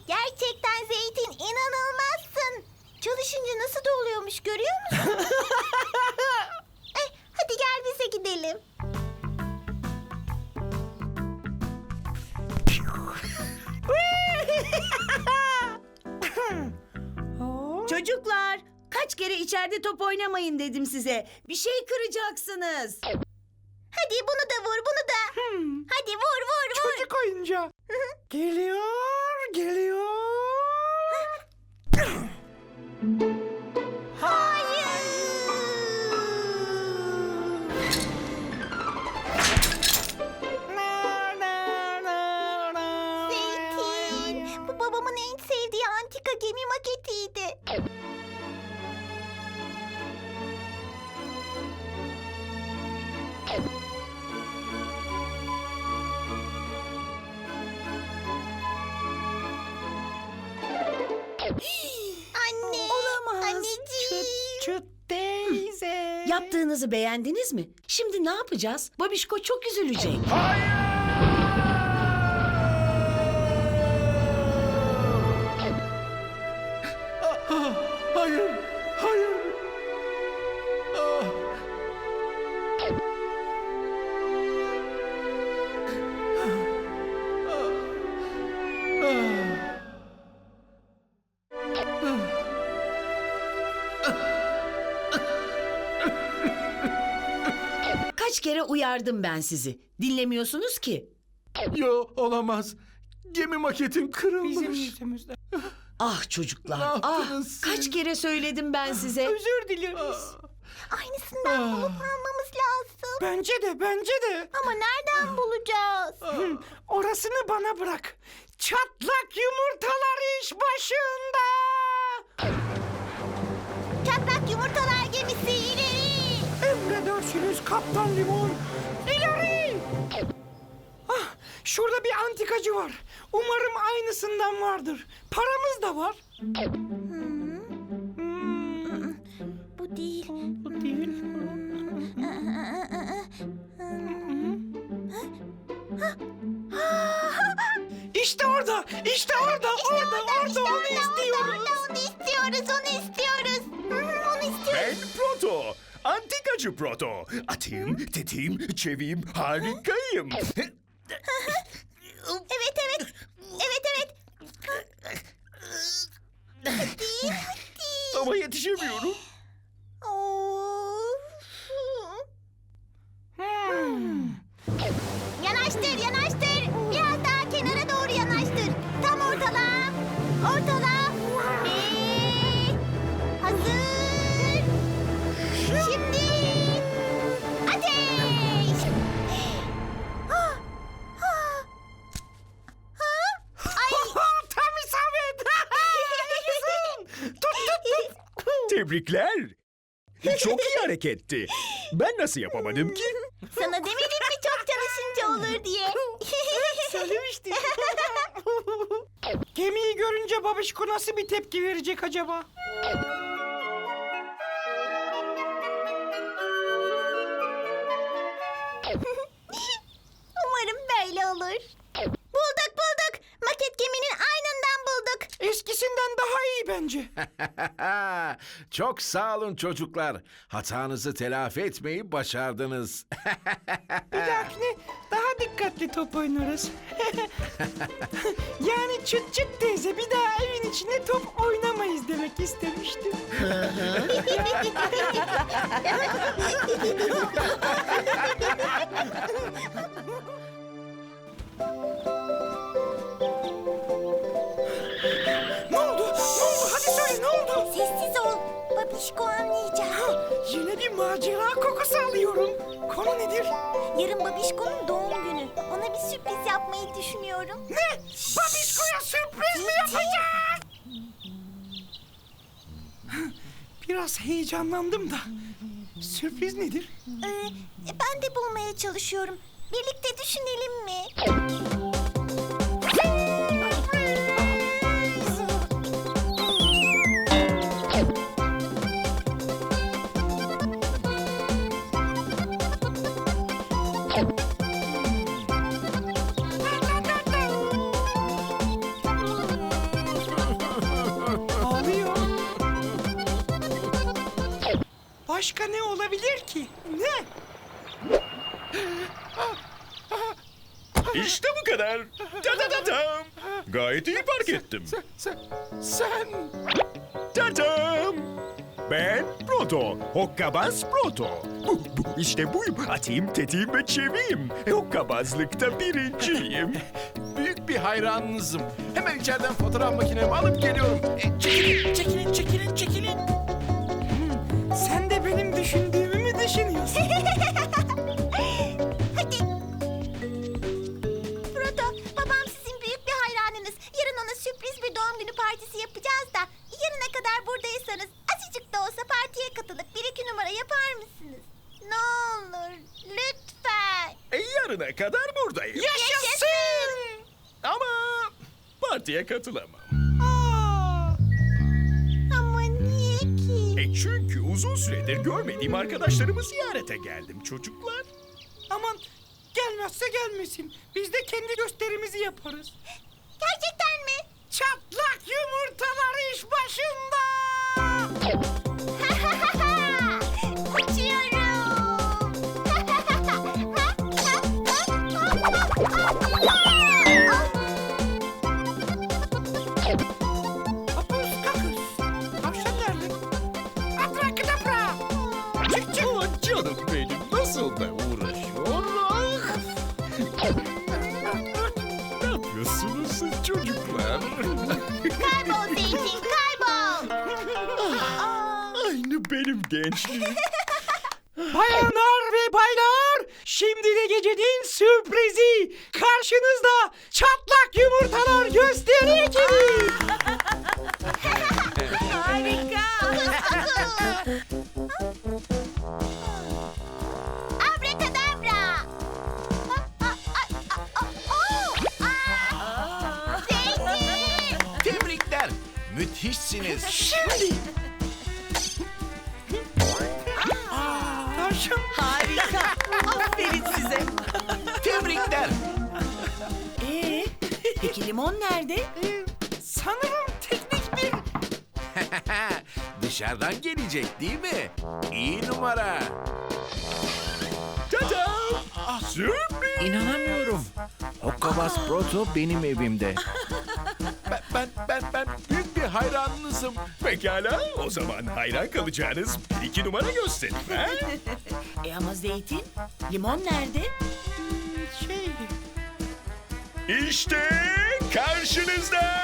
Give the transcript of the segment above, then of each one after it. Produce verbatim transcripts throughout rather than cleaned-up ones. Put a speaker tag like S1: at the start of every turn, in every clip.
S1: Gerçekten Zeytin inanılmazsın. Çalışınca nasıl da oluyormuş görüyor musun? eh, hadi gel bize gidelim.
S2: Çocuklar, kaç kere içeride top oynamayın dedim size. Bir şey kıracaksınız.
S1: Hadi bunu da vur, bunu da.
S3: Hmm.
S1: Hadi vur, vur, vur.
S3: Çocuk oyuncağı. Geliyor, geliyor. Na, na, na, na.
S1: Zeytin, bu babamın en sevdiği antika gemi maketiydi. Anne,
S2: Olamaz.
S1: anneciğim.
S3: Çıt çıt teyze.
S2: Yaptığınızı beğendiniz mi? Şimdi ne yapacağız? Babişko çok üzülecek.
S3: Ah, hayır, hayır. Ah.
S2: Kaç kere uyardım ben sizi. Dinlemiyorsunuz ki.
S4: Yo, olamaz. Gemi maketim kırılmış.
S3: Bizim yüzümüzden.
S2: Ah çocuklar,
S4: Ne
S2: ah
S4: yaptınız siz?
S2: kaç kere söyledim ben size.
S3: Özür dileriz.
S1: Aynısından
S4: Ah.
S1: bulup almamız lazım.
S3: Bence de, bence de.
S1: Ama nereden bulacağız?
S3: Hı, orasını bana bırak. Çatlak yumurtalar iş başında.
S1: Çatlak yumurtalar gemisi ileri.
S3: Emredersiniz Kaptan Limon. İleri. Ah, şurada bir antikacı var. Umarım aynısından vardır. Paramız da var. Hmm,
S1: Bu değil.
S3: bu değil. İşte orada, işte orada, orada, orada, onu istiyoruz.
S1: Orada, onu istiyoruz, onu istiyoruz. Hı hı, onu istiyoruz.
S5: Ben Proto. Antikacı Proto. Atayım, tetiğim, çeviyim, harikayım.
S1: Evet, evet. Evet, evet. Hadi, hadi.
S5: Ama yetişemiyorum.
S1: Of.
S3: Hmm.
S1: Yanaştır, yanaştır. Biraz daha kenara doğru yanaştır. Tam ortala. Ortala. Ve hazır. Şimdi ateş. Ah, ah. Ah. Ay.
S3: Tam isabet. Yaşasın. Tut, tut, tut.
S5: Tebrikler. Çok iyi hareketti. Ben nasıl yapamadım ki?
S1: Sana demedim mi çok çalışınca olur diye.
S3: Söylemiştim. Gemiyi görünce babişko nasıl bir tepki verecek acaba?
S1: Umarım böyle olur. Bulduk bulduk. Maket geminin aynından bulduk.
S3: Eskisinden daha iyi bence.
S4: Çok sağ olun çocuklar. Hatanızı telafi etmeyi başardınız.
S3: Bir dahakine daha dikkatli top oynarız. Yani çıt çıt teyze bir daha evin içinde top oynamayız demek istemiştim. Ne oldu? Ne oldu? Hadi söyle ne oldu?
S1: Sessiz ol. Babişko anlayacak.
S3: Yine bir macera kokusu alıyorum. Konu nedir?
S1: Yarın Babişko'nun doğum günü. Ona bir sürpriz yapmayı düşünüyorum.
S3: Ne? Babişko'ya sürpriz mi yapacağız? Biraz heyecanlandım da. Sürpriz nedir?
S1: Ee, ben de bulmaya çalışıyorum. Birlikte düşünelim mi?
S3: Başka ne olabilir ki? Ne?
S5: İşte bu kadar. Ta ta ta tam. Gayet iyi fark ettim.
S4: Sen, sen, sen...
S5: Tatam. Ben Proto. Hokkabaz Proto. Bu, bu, işte buyum. Atayım, tetiğim ve çeviyim. Hokkabazlıkta birinciyim.
S4: Büyük bir hayranınızım. Hemen içeriden fotoğraf makinemi alıp geliyorum. E, çekilin, çekilin, çekilin, çekilin.
S3: Sen de benim düşündüğümü mü düşünüyorsun?
S1: Hadi. Proto, babam sizin büyük bir hayranınız. Yarın ona sürpriz bir doğum günü partisi yapacağız da... yarına kadar buradaysanız azıcık da olsa partiye katılıp bir iki numara yapar mısınız? Ne olur, lütfen.
S5: E, yarına kadar buradayım.
S3: Yaşasın!
S5: Ama partiye katılamam.
S3: Aa,
S1: Ama niye ki?
S5: E çünkü uzun süredir görmediğim arkadaşlarımı ziyarete geldim çocuklar.
S3: aman gelmezse gelmesin. Biz de kendi gösterimizi yaparız.
S1: Gerçekten mi?
S3: Çatlak yumurtalar iş başında. Hapus kakus. Tavşan nerede? Abrakadabra. Çık çık.
S5: Oh canım benim nasıl da uğraşıyor. Ne yapıyorsunuz siz çocuklar?
S1: Kaybol Zeytin, kaybol.
S5: Aynı benim gençliğim.
S3: Bayanlar ve baylar, şimdi de gecenin sürprizi. Karşınızda çatlak yumurtalar gösteri ekibi.
S2: Harika.
S1: Abrakadabra. Zeytin.
S4: Tebrikler. Müthişsiniz.
S3: Şimdi. Tavşan.
S2: Harika. Aferin size.
S4: Tebrikler.
S2: Ee, peki limon nerede?
S3: Ee, sanırım teknik bir...
S4: Dışarıdan gelecek değil mi? İyi numara.
S5: Tada! Sürpriz!
S4: İnanamıyorum. Hokkabaz Proto benim evimde. Ben, ben, ben, ben büyük bir hayranınızım.
S5: Pekala, o zaman hayran kalacağınız bir iki numara gösterin. Ha?
S2: E ama zeytin, limon nerede?
S3: Şey...
S5: İşte karşınızda.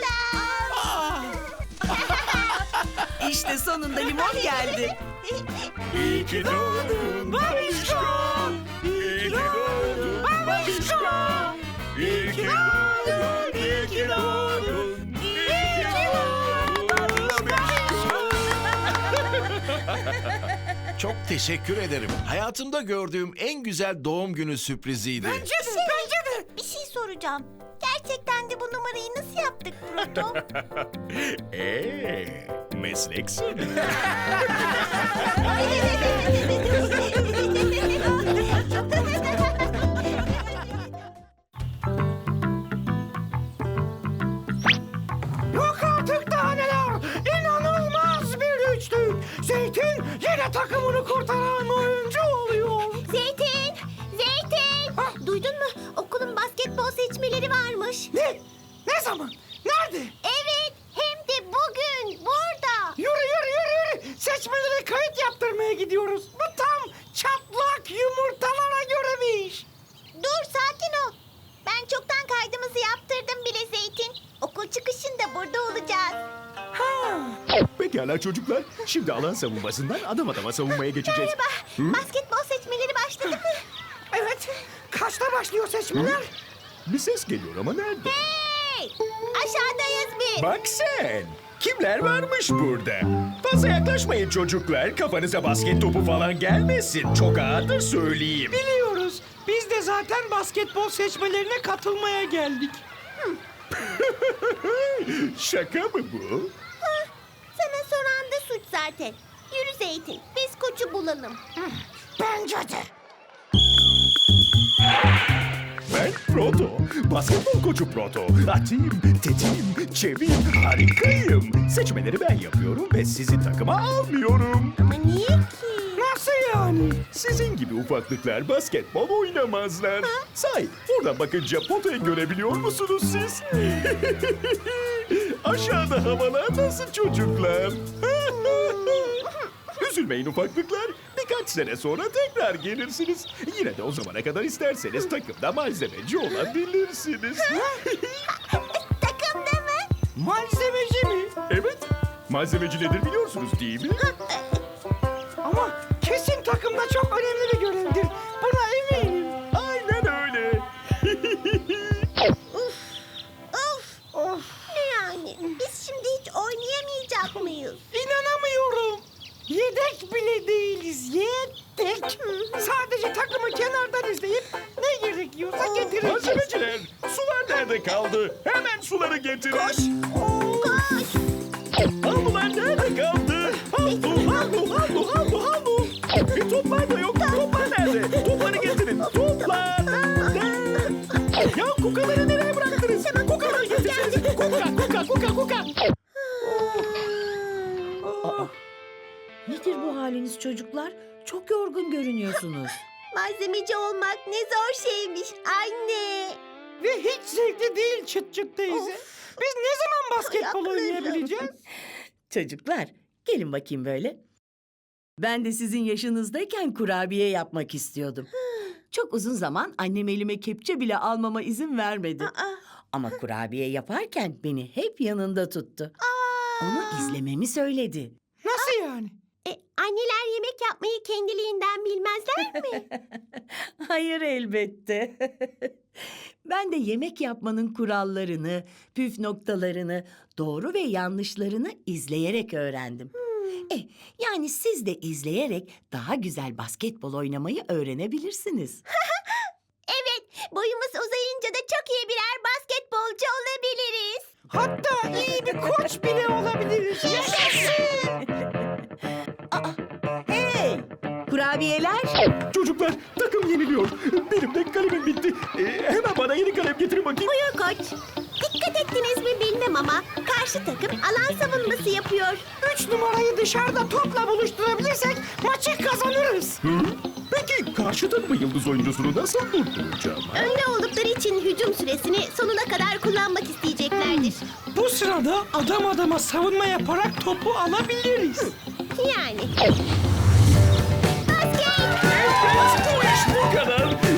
S2: İşte sonunda limon geldi.
S5: İyi ki doğdun babişko. İyi ki doğdun babişko. İyi ki doğdun, iyi ki doğdun. İyi ki doğdun babişko.
S4: Çok teşekkür ederim. Hayatımda gördüğüm en güzel doğum günü sürpriziydi.
S3: Bence de, bence de.
S1: Bir şey soracağım. Gerçekten de bu numarayı nasıl yaptık Proto?
S5: Eee, mesleksin.
S3: Yok artık daha neler. İnanılmaz bir üçlük. Zeytin yine takımını kurtaran oyuncu oluyor.
S1: Zeytin! Zeytin!
S3: Ha?
S1: Duydun mu? Okulun basketbol seçmeleri varmış.
S3: Ne? Ne zaman? Nerede?
S1: Evet, hem de bugün burada.
S3: Yürü yürü yürü yürü. Seçmelere kayıt yaptırmaya gidiyoruz. Bu tam çatlak yumurtalara göre bir iş.
S1: Dur, sakin ol. Ben çoktan kaydımızı yaptırdım bile Zeytin. Okul çıkışında burada olacağız.
S3: Ha.
S5: Pekala çocuklar, şimdi alan savunmasından adam adama savunmaya geçeceğiz.
S1: Merhaba, basketbol seçmeleri başladı mı?
S3: Evet. Kaçta başlıyor seçmeler?
S5: Bir ses geliyor ama nerede?
S1: Hey! Aşağıdayız biz.
S5: Bak sen! Kimler varmış burada? Fazla yaklaşmayın çocuklar. Kafanıza basket topu falan gelmesin. Çok ağırdır söyleyeyim.
S3: Biliyoruz. Biz de zaten basketbol seçmelerine katılmaya geldik.
S5: Şaka mı bu?
S1: Sana soran da suç zaten. Yürü Zeytin, biz koçu bulalım.
S3: Bence de.
S5: Ben Proto, basketbol koçu Proto. Atayım, tetiğim, çeviyim, harikayım. Seçmeleri ben yapıyorum ve sizi takıma almıyorum.
S1: Ama niye ki?
S3: Nasıl yani?
S5: Sizin gibi ufaklıklar basketbol oynamazlar. Sahi, oradan bakınca potayı görebiliyor musunuz siz? Aşağıda havalar nasıl çocuklar? Üzülmeyin ufaklıklar. Birkaç sene sonra tekrar gelirsiniz. Yine de o zamana kadar isterseniz takımda malzemeci olabilirsiniz.
S1: Takımda mı?
S3: Malzemeci mi?
S5: Evet, malzemeci nedir biliyorsunuz değil mi?
S3: Ama kesin takımda çok önemli bir görevdir. Buna eminim.
S5: Aynen öyle.
S1: Of!
S3: Of,
S1: Ne yani? Biz şimdi hiç oynayamayacak mıyız?
S3: inanamıyorum. Yedek bile değiliz. Yedek. Sadece takımı kenardan izleyip ne gerekiyorsa getireceğiz.
S5: Malzemeciler, sular nerede kaldı? Hemen suları getirin.
S1: Koş!
S5: Havlular nerede kaldı? Havlu, havlu, havlu, havlu, havlu. Bir toplar da yok. Toplar nerede? Topları getirin. Toplar nerede? Ya kukaları nereye bıraktınız? Kukaları getirseniz. Kuka, kuka, kuka, kuka.
S2: Nedir bu haliniz çocuklar? Çok yorgun görünüyorsunuz.
S1: Malzemeci olmak ne zor şeymiş anne.
S3: Ve hiç zevkli değil çıt çıt teyze. Biz ne zaman basketbol
S1: Ayaklarım.
S3: oynayabileceğiz?
S2: Çocuklar, gelin bakayım böyle. Ben de sizin yaşınızdayken kurabiye yapmak istiyordum. Çok uzun zaman annem elime kepçe bile almama izin vermedi. Ama kurabiye yaparken beni hep yanında tuttu. Onu izlememi söyledi.
S3: Nasıl yani?
S1: E, anneler yemek yapmayı kendiliğinden bilmezler mi?
S2: Hayır elbette. Ben de yemek yapmanın kurallarını, püf noktalarını, doğru ve yanlışlarını izleyerek öğrendim. Eh, yani siz de izleyerek daha güzel basketbol oynamayı öğrenebilirsiniz.
S1: Evet, boyumuz uzayınca da çok iyi birer basketbolcu olabiliriz.
S3: Hatta iyi bir koç bile olabiliriz.
S2: Hey! Kurabiyeler!
S5: Çocuklar, takım yeniliyor. Benim de kalemim bitti. Ee, hemen bana yeni kalem getirin bakayım.
S1: Buyur koç. Dikkat ettiniz mi bilmem ama karşı takım alan savunması yapıyor.
S3: Üç numarayı dışarıda topla buluşturabilirsek maçı kazanırız.
S5: Hı? Peki karşı takımın yıldız oyuncusunu nasıl durduracağım? ha?
S1: Önde oldukları için hücum süresini sonuna kadar kullanmak isteyeceklerdir.
S3: Bu sırada adam adama savunma yaparak topu alabiliriz.
S1: Yani. Basket!
S5: Evet, bu iş bu kadar.